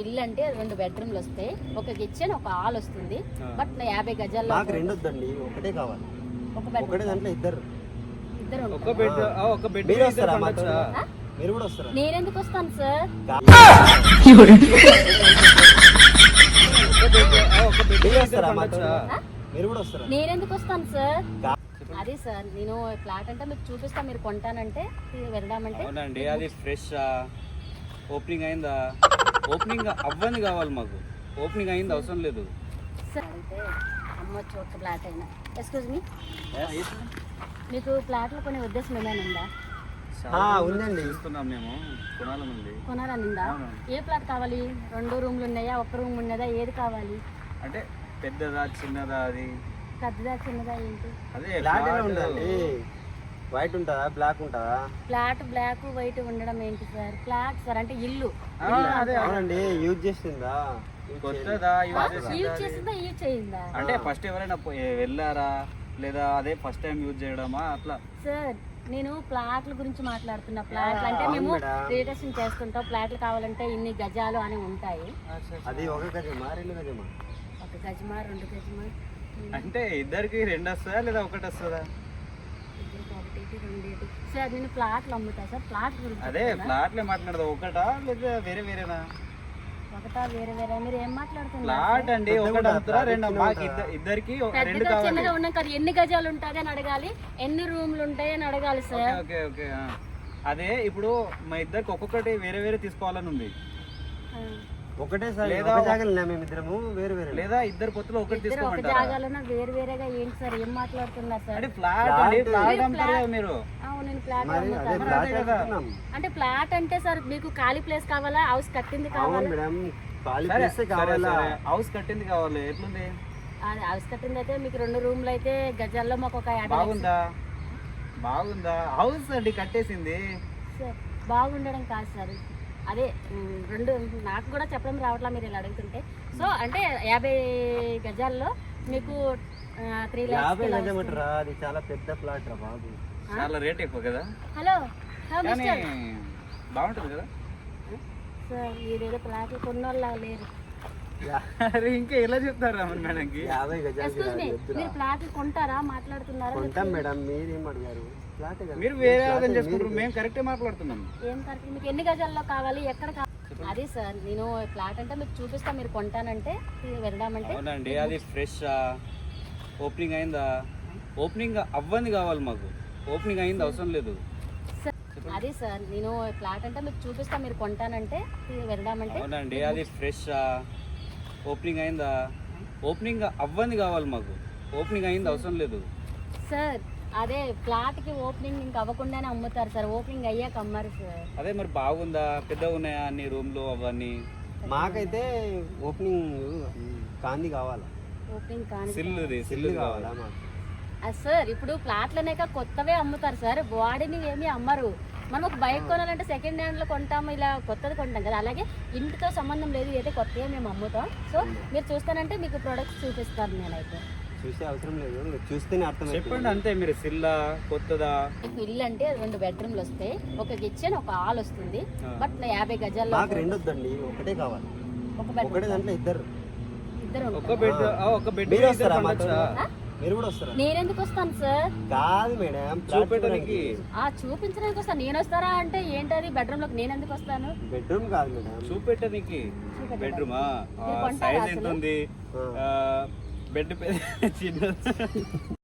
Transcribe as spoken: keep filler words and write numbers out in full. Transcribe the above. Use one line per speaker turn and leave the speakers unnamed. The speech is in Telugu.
ఇల్లు అంటే రెండు బెడ్రూమ్లు వస్తాయి, ఒక కిచెన్ ఒక హాల్ వస్తుంది. బట్ యాభై గజాల్లో
నాకు రెండు వద్దండి, ఒకటే కావాలి.
ఒక
ఒకటే
బెడ్రూమ్
దాంట్లో ఇద్దరు
ఇద్దరు
ఒక
ఉంటారా?
బెడ్ ఒక బెడ్
మీరు వస్తారా మాతో?
ఆ?
మీరు కూడా వస్తారా?
నేను ఎందుకు వస్తాను సార్?
ఒక బెడ్
మీరు వస్తారా మాతో?
ఆ?
మీరు కూడా వస్తారా?
నేను ఎందుకు వస్తాను సార్? అదే సార్, నేను ఫ్లాట్ అంటే మీకు చూపిస్తా, మీరు కొంటానంటే వెళ్దామంటే.
అవునండి, అది ఫ్రెష్ ఓపెనింగ్ అయిందా? ఓపెనింగ్ అవ్వని కావాలి మాకు. ఓపెనింగ్ అయింది అవసరం లేదు.
సార్ అంటే అమ్మొచ్చు ఒక ఫ్లాట్ అయినా. ఎక్స్క్యూజ్ మీ, మీకు ఫ్లాట్లో కొనే ఉద్దేశం ఏమైనా ఉందా?
ఆ, ఉందండి.
చూస్తున్నాం మేము, కొనాలని ఉంది.
కొనాలని ఉందా? ఏ ఫ్లాట్ కావాలి? రెండు రూమ్లు ఉన్నాయా, ఒక రూమ్ ఉన్నదా, ఏది కావాలి?
అంటే పెద్దదా చిన్నదా? అది
పెద్దదా చిన్నదా ఏంటి?
అదే
బ్లాక్ ఎలా
flat.
ఉందండి? వైట్ ఉంటుందా, బ్లాక్ ఉంటుందా?
ఫ్లాట్ బ్లాక్ వైట్ ఉండడం ఏంటి సార్? ఫ్లాట్ సార్ అంటే ఇల్లు.
ఆ, అదే
అవునండి, యూజ్ చేస్తుందా?
కొత్తదా యూజ్
యూజ్
చేసిందా?
చేసిందా యూజ్ చేయిందా?
అంటే ఫస్ట్ ఎవరైనా పోయి- వెళ్ళారా లేదా అదే ఫస్ట్ టైం యూజ్ చేయడమా అట్లా?
సార్ నేను ప్లాట్ల గురించి మాట్లాడుతున్నా. ప్లాట్లు అంటే
అవును
మేము
మేడం.
రిజిస్ట్రేషన్ చేస్తుంటాం. ప్లాట్లు కావాలంటే ఇన్ని గజాలు అని ఉంటాయి.
అది ఒక గజమా రెండు గజమా?
ఒక గజమా రెండు గజమా
అంటే ఇద్దరికి రెండు వస్తుందా లేదా ఒకటి వస్తుందా?
ఇద్దరికి ఒకటి రెండేటి. సార్ నేను ప్లాట్లు అమ్ముతా సార్. ప్లాట్ గురించి
అదే
చెప్తున్నా.
ఫ్లాట్లే మాట్లాడదా, ఒకటా లేదా వేరే వేరేనా?
ఒకటా వేరే వేరే మీరు ఏం మాట్లాడుతున్నారు?
ఫ్లాట్ అండి,
పెద్దగా
ఒకటి
ఉంటుందా?
అమ్ముతారా రెండు?
చిన్నగా
మాకు
ఉంటుందా?
ఇద్ద- ఇద్దరికి రెండు
పెద్దగా
కావాలి.
చిన్నగా ఉన్నాం కదా, ఎన్ని గజాలు ఉంటుంది అని అడగాలి, ఎన్ని రూమ్లు ఉంటాయి అని అడగాలి
ఓకే
సార్.
ఓకే ఓకే ఆ. అదే ఇప్పుడు మా ఇద్దరికి ఒక్కొక్కటి వేరే వేరే తీసుకోవాలని ఉంది.
ఆ.
ఒకటే సార్,
లేదా
ఒక జాగాలో మేమిద్దరము వేరు వేరు.
లేదా ఇద్దరు పొత్తులు ఒకటి
ఇద్దరు ఒక
తీసుకోమంటారా?
జాగాలోనే వేరు వేరేగా ఏంటి సార్? ఏం మాట్లాడుతున్నారు సార్?
అంటే ఫ్లాట్
ఫ్లాట్
అండి, ఫ్లాట్
మీరు
అమ్ముతారు
ఫ్లాట్-
కదా మీరు.
అవును, నేను ఫ్లాట్
మరి అదే
అమ్ముతాను.
ఫ్లాట్
అదే కదా.
అనుకుంటున్నాం.
అంటే ఫ్లాట్ అంటే సార్ మీకు ఖాళీ ప్లేస్ కావాలా, హౌస్ కట్టింది
అవును
కావాలా?
మేడం, ఖాళీ
సరే
ప్లేస్
సరే,
కావాలా?
సరే. హౌస్ కట్టింది కావాలి. ఎట్లుంది?
అది హౌస్ కట్టింది అయితే మీకు రెండు రూమ్లు అయితే గజాల్లో మాకు ఒక యాభై లక్షలు.
బాగుందా? బాగుందా? హౌస్ అండి కట్టేసింది.
సార్ బాగుండడం కాదు సార్, అదే ఉమ్, రెండు నాకు కూడా చెప్పడం రావట్లా మీరు ఇలా అడుగుతుంటే. సో అంటే యాభై గజాల్లో మీకు త్రీ
యాభై
ల్యాక్స్.
గజమంటారా? అది చాలా పెద్ద ఫ్లాట్ రా బాబు.
చాలా రేట్ ఎక్కువ కదా,
హలో హలో
కానీ
మిస్టర్
బాగుంటుంది కదా.
సార్ మీరేదో ఫ్లాట్లు కొన్నోళ్ళ లేరు.
అరే ఇంకా ఎలా చెప్తారు రమణ్ మేడంకి?
యాభై గజాలు
ఎక్స్క్యూజ్ మీ, మీరు ఫ్లాట్లు కొంటారా మాట్లాడుతున్నారా?
కొంటాం మేడం, మీరేం అడిగారు? ఫ్లాట్ కదా.
మీరు వేరే
ఫ్లాట్
అర్థం
మీరు-
చేసుకుంటారు, మేము కరెక్టే మాట్లాడుతున్నాం.
ఏం కరెక్ట్? మీకు ఎన్ని గజాల్లో కావాలి, ఎక్కడ కావాలి? అదే సార్, నేను ఫ్లాట్ అంటే మీకు చూపిస్తా, మీరు కొంటానంటే వెళ్దామంటే.
అవునండి, అది ఫ్రెష్ ఓపెనింగ్ అయిందా? ఓపెనింగ్ అవ్వని కావాలి మాకు. ఓపెనింగ్ అయింది అవసరం లేదు.
సార్ అదే సార్, నేను ఫ్లాట్ అంటే మీకు చూపిస్తా, మీరు కొంటానంటే వెళ్దామంటే.
అవునండి, అది ఫ్రెష్ ఓపెనింగ్ అయిందా? ఓపెనింగ్ అవ్వని కావాలి మాకు. ఓపెనింగ్ అయింది అవసరం లేదు.
సార్ అదే ఫ్లాట్ కి ఓపెనింగ్ ఇంకా అవ్వకుండానే అమ్ముతారు సార్, ఓపెనింగ్ అయ్యాక అమ్మారు సార్.
అదే మరి బాగుందా? పెద్దగా ఉన్నాయా అన్ని రూమ్లు అవన్నీ?
మాకైతే ఓపెనింగ్ కాంది కావాలా?
ఓపెనింగ్ కానీ
సిల్లుది
సిల్లు
సిల్లు
కావాలా
కావాలా?
మాకు?
అది సార్ ఇప్పుడు ఫ్లాట్లనేక కొత్తవే అమ్ముతారు సార్, వాడిని ఏమీ అమ్మరు. మనం ఒక బైక్ కొనాలంటే సెకండ్ హ్యాండ్లో కొంటాము, ఇలా కొత్తది కొంటాం కదా, అలాగే ఇంటితో సంబంధం లేదు, అయితే కొత్తగా మేము అమ్ముతాం. సో మీరు చూస్తానంటే మీకు ప్రొడక్ట్స్ చూపిస్తాను నేనైతే.
చూసే అవసరం లేదు, మీరు చూస్తేనే అర్థం
చెప్పండి అంతే. మీరు సిల్లా కొత్తదా?
మీకు ఇల్లు అంటే రెండు బెడ్రూమ్లు వస్తాయి, ఒక కిచెన్ ఒక హాల్ వస్తుంది.
ఆ.
బట్ యాభై గజాల్లో
మాకు రెండు వద్దండి, ఒకటే కావాలి.
ఒక
ఒకటే
బెడ్రూమ్
దాంట్లో ఇద్దరు.
ఇద్దరు
ఒక
ఉంటారా?
బెడ్ ఒక బెడ్
మీరు వస్తారా మాతో?
ఆ?
మీరు కూడా వస్తారా?
నేను ఎందుకు వస్తాను సార్?
కాదు మేడం,
చూపెట్టడానికి.
ఆ చూపించడానికి వస్తాను. నేను వస్తారా అంటే ఏంటది బెడ్రూమ్ లోకి నేను ఎందుకు వస్తాను?
బెడ్రూమ్ కాదు మేడం.
చూపెట్టడానికి.
చూపెట్టడానికి.
బెడ్రూమా?
మీరు కొంటారా
సైజ్
అసలు?
ఎంత ఉంది?
ఆ.
బెడ్ చిన్న